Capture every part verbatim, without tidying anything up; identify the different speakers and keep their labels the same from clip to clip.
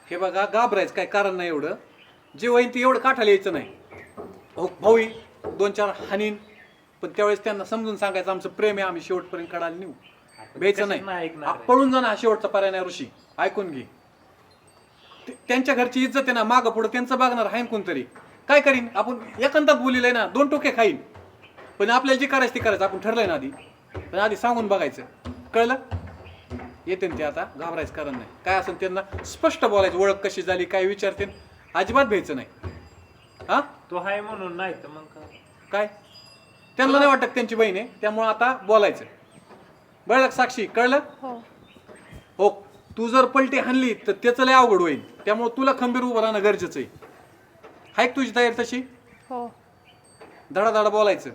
Speaker 1: हे बघा घाबरायचं काय कारण नाही एवढं. जे होईन ते एवढं काठाला यायचं नाही. हो भाऊ दोन चार हानीन पण त्यावेळेस त्यांना समजून सांगायचं आमचं प्रेम आहे आम्ही शेवटपर्यंत काढायला नेऊ. बेचं नाही पळून जाणं हा शेवटचा पर्याय नाही. ऋषी ऐकून घे. त्यांच्या घरची इज्जत आहे ना मागं पुढं त्यांचं बघणार आहे कोणतरी. काय करीन आपण एकांतात बोलिलंय ना दोन टोके खाईन पण आपल्याला जे करायचं ते करायचं आपण ठरलंय ना आधी. पण आधी सांगून बघायचं कळलं. येते ते आता घाबरायचं कारण नाही. काय असेल त्यांना स्पष्ट बोलायचं ओळख कशी झाली काय विचारते अजिबात भ्यायचं नाही. हा
Speaker 2: तो आहे म्हणून नाही तर मग
Speaker 1: काय त्यांना नाही वाटत त्यांची बहीण आहे त्यामुळे आता बोलायचं. बरं साक्षी कळलं. हो तू जर पलटी हाणली तर त्याचं लय अवघड होईल त्यामुळे तुला खंबीर उभं राहणं गरजेचं आहे. हाय तुझी तयारी तशी.
Speaker 3: हो
Speaker 1: धडाधडा बोलायचं.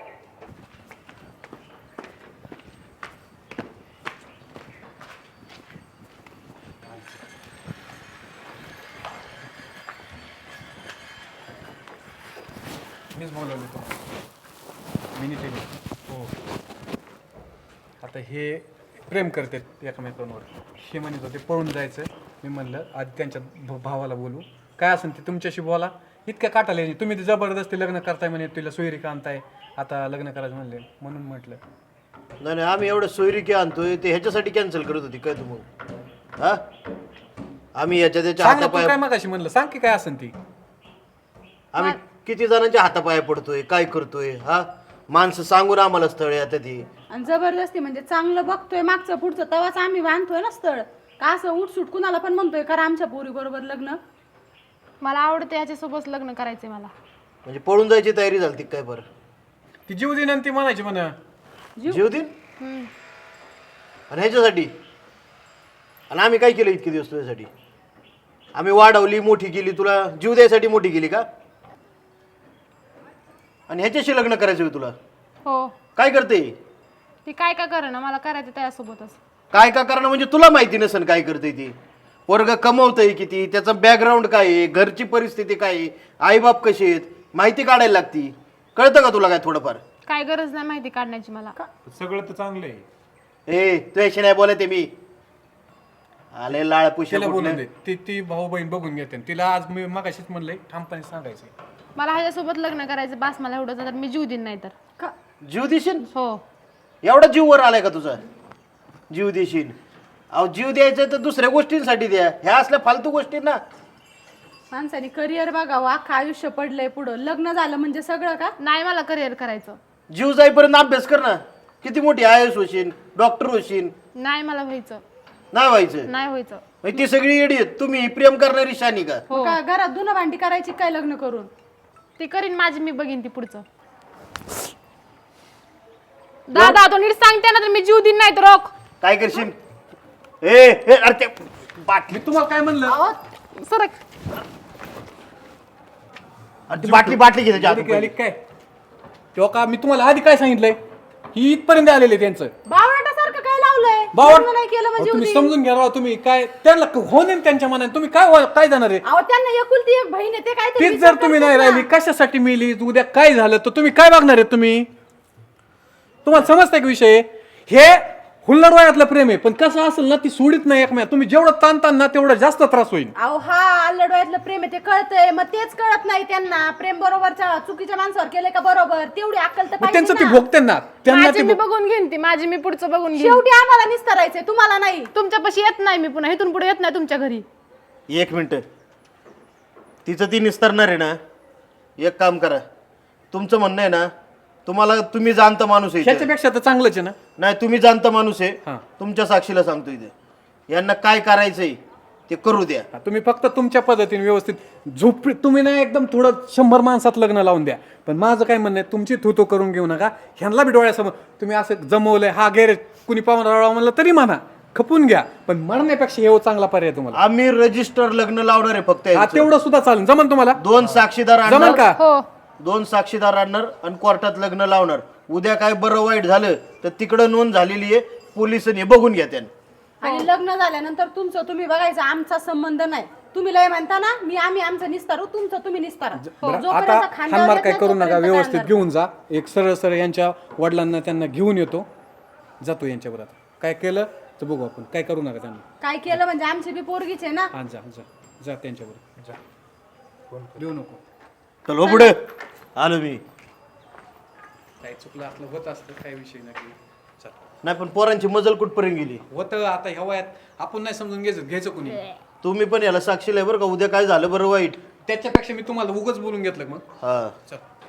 Speaker 1: मीच बोलवलं तुम्हाला मिनिट हो. आता हे प्रेम करतात एकमेकांवर. हे म्हणत होते पळून जायचं. मी म्हणलं आधी त्यांच्या भ- भावाला बोलू काय असेल ते तुमच्याशी बोला. इतक्या काटाले तुम्ही ते जबरदस्ती लग्न करताय म्हणे तुला सोयरी आणताय आता लग्न करायचं म्हणले म्हणून म्हटलं.
Speaker 4: नाही नाही आम्ही एवढं सोयरिकी आणतोय ते ह्याच्यासाठी कॅन्सल करत होती काय तू मग हा आम्ही याच्या त्याच्या
Speaker 1: सांग ना तू
Speaker 4: हातापाया
Speaker 1: काय मगाशी म्हणलं सांग की काय असेल ती.
Speaker 4: आम्ही किती जणांच्या हातापाया पडतोय काय करतोय हा माणसं सांगून आम्हाला स्थळ आता ती
Speaker 3: आणि जबरदस्ती म्हणजे चांगलं बघतोय मागचं पुढचं तेव्हाच आम्ही बांधतोय ना स्थळ. का असं उठसूट कुणाला पण म्हणतोय करा आमच्या पोरी बरोबर लग्न.
Speaker 5: मला आवडतं याच्यासोबत लग्न करायचंय मला.
Speaker 4: म्हणजे पळून जायची तयारी झाली काय बरं.
Speaker 1: ती जीव देईन आणि ती म्हणायची म्हणा
Speaker 4: जीव देईन आणि ह्याच्यासाठी. आणि आम्ही काय केलं इतके दिवस तुझ्यासाठी. आम्ही वाढवली मोठी केली तुला जीव द्यायसाठी मोठी केली का. आणि ह्याच्याशी लग्न करायचं होय तुला.
Speaker 5: हो
Speaker 4: काय करते
Speaker 5: ती काय काय करेना मला करायचं त्यासोबतच.
Speaker 4: काय का करणं म्हणजे तुला माहिती नसेल काय करते ती. वर्ग कमवतय किती त्याचं बॅकग्राऊंड काय आहे घरची परिस्थिती काय आहे आईबाप कसे आहेत माहिती काढायला लागती. कळतं का तुला काय थोडंफार.
Speaker 5: काय गरज नाही माहिती काढण्याची मला.
Speaker 2: सगळं तर चांगलं आहे.
Speaker 4: ए तुझ्याशी नाही बोलते मी. आले लाळ पुशे
Speaker 1: तिला बोलून दे. ती ती भाऊ बहीण बघून घेते. तिला आज मी मगाशीच म्हणलंय ठामपणे सांगायचं
Speaker 5: मला ह्याच्यासोबत लग्न करायचं बास मला एवढं तर मी जीव देईन नाही तर.
Speaker 4: जीव देशील.
Speaker 5: हो
Speaker 4: एवढा जीव वर आलाय का तुझा. जीव देशील. अहो जीव द्यायचं तर दुसऱ्या गोष्टींसाठी द्या ह्या असल्या फालतू गोष्टी ना.
Speaker 3: माणसाने करिअर बघावं अख्खं आयुष्य पडलंय पुढं. लग्न झालं म्हणजे सगळं का.
Speaker 5: नाही मला करिअर करायचं.
Speaker 4: जीव जाईपर्यंत अभ्यास कर ना. किती मोठी आय एस होशील डॉक्टर होशील.
Speaker 5: नाही मला व्हायचं.
Speaker 4: नाही व्हायचं.
Speaker 5: नाही व्हायचं.
Speaker 4: मग ती सगळी येडी आहेत. तुम्ही प्रेम करणारी शानी का.
Speaker 3: मग का घरात धुणं भांडी करायची काय लग्न करून.
Speaker 5: ती करीन माझी मी बघीन ती पुढचं. दादा तो नीट सांगते ना तर मी जीव देईन नाही तर रोख.
Speaker 4: काय करशील. ए ए, अरे ते बाटली
Speaker 1: मी तुम्हाला काय म्हणलं
Speaker 5: सरक.
Speaker 4: अरे ती बाटली बाटली घे त्याच्या
Speaker 1: आली
Speaker 4: हातात.
Speaker 1: काय तेव्हा का मी तुम्हाला आधी काय सांगितलंय ही इथपर्यंत आलेले त्यांचं
Speaker 3: बावळटासारखं काय लावलंय.
Speaker 1: बावट
Speaker 3: लग्न नाही केलं
Speaker 1: अहो,
Speaker 3: म्हणजे
Speaker 1: तुम्ही
Speaker 3: उदी.
Speaker 1: समजून घ्या राव तुम्ही काय त्यांना होऊन देईन त्यांच्या मनाने तुम्ही काय वा- काय जाणार आहे.
Speaker 3: अहो त्यांना एकुलती एक बहीण आहे ते काय
Speaker 1: तीच जर तुम्ही नाही राहिली कशासाठी मिली उद्या काय झालं तर तुम्ही काय बघणार आहे. तुम्ही तुम्हाला समजताय का विषय. हे हुल्लड वयातलं प्रेम आहे पण कसं असेल ना ती सोडित नाही एकमेक. तुम्ही जेवढं ताणतान ना तेवढं जास्त त्रास होईल.
Speaker 3: अहो हा अल्लडवायतलं प्रेम आहे ते कळतंय मग तेच कळत नाही त्यांना. प्रेम बरोबरच्या चुकीच्या माणसावर केलंय का बरोबर तेवढी अक्कल तर
Speaker 1: मग
Speaker 3: पाहिजे
Speaker 1: त्यांचं ते
Speaker 3: ना.
Speaker 1: भोगते ना त्यांना
Speaker 5: माझी
Speaker 1: ते
Speaker 5: मी
Speaker 1: भोग-
Speaker 5: बघून घेईन ती माझी मी पुढचं बघून घेईन.
Speaker 3: शेवटी आम्हाला निस्तरायचंय तुम्हाला नाही.
Speaker 5: तुमच्यापाशी येत नाही मी पुन्हा इथून पुढे येत नाही तुमच्या घरी.
Speaker 4: एक मिनिट तिचं ती निस्तरणार आहे ना. एक काम करा तुमचं म्हणणं आहे ना तुम्हाला तुम्ही जाणता माणूस आहे इथे.
Speaker 1: ह्याच्यापेक्षा तर चांगलंच आहे ना.
Speaker 4: नाही तुम्ही जाणता माणूस
Speaker 1: हा.
Speaker 4: आहे तुमच्या साक्षीला सांगतो इथे यांना काय करायचंय ते करू द्या.
Speaker 1: हा, तुम्ही फक्त तुमच्या पद्धतीने व्यवस्थित झोप तुम्ही ना एकदम थोडं शंभर माणसात लग्न लावून द्या. पण माझं काय म्हणणं आहे तुमची थुतो करून घेऊ नका. ह्यांना बी डोळ्यासमोर तुम्ही असं जमवलंय हा गैरेज कुणी पाहुणा म्हणलं तरी म्हणा खपून घ्या पण म्हणण्यापेक्षा हे चांगला पर्याय तुम्हाला.
Speaker 4: आम्ही रजिस्टर लग्न लावणार आहे फक्त
Speaker 1: हा
Speaker 4: यांचं.
Speaker 1: तेवढं सुद्धा चालेल जमन तुम्हाला.
Speaker 4: दोन साक्षीदार
Speaker 1: जमन
Speaker 4: आणणार
Speaker 1: का.
Speaker 5: हो
Speaker 4: दोन साक्षीदार आणणार आणि कोर्टात लग्न लावणार. उद्या काय बरं वाईट झालं तर तिकडं नोंद झालेली आहे पोलिसांनी बघून घ्या त्यांना.
Speaker 3: आणि लग्न झाल्यानंतर तुमचं तुम्ही बघायचं आमचा संबंध नाही. तुम्ही लय म्हणता ना मी आम्ही आमचं निस्तारू तुमचं तुम्ही निस्तारा.
Speaker 1: बरं,
Speaker 3: जोपर्यंत
Speaker 1: आता
Speaker 3: खांद्यावर
Speaker 1: हानमार
Speaker 3: येत
Speaker 1: काय
Speaker 3: नाही,
Speaker 1: करू नका
Speaker 3: तोपर्यंत
Speaker 1: व्यवस्थित
Speaker 3: काय
Speaker 1: घेऊन जा. एक सरळ सरळ यांच्या वडिलांना त्यांना घेऊन येतो जातो यांच्याबरोबर. काय केलं तर बघू आपण काय करू नका त्यांना.
Speaker 3: काय केलं म्हणजे आमची बी पोरगीच आहे ना.
Speaker 1: हा जा जा जा त्यांच्यावर
Speaker 2: जा फोन कर.
Speaker 1: देऊ नको.
Speaker 4: चल हो पुढे आलो मी.
Speaker 1: काय चुकलं आपलं होत असतं, काय विषय नाही. चल
Speaker 4: नाही पण पोरांची मजल कुठपर्यंत गेली.
Speaker 1: होतं आता ह्या वयात आपण नाही समजून घ्यायचं घ्यायचं कुणी.
Speaker 4: तुम्ही पण याला साक्षीला आहे बरं का, उद्या काय झालं बरं वाईट.
Speaker 1: त्याच्यापेक्षा मी तुम्हाला उगाच बोलून घेतलं मग.
Speaker 4: हा
Speaker 1: चल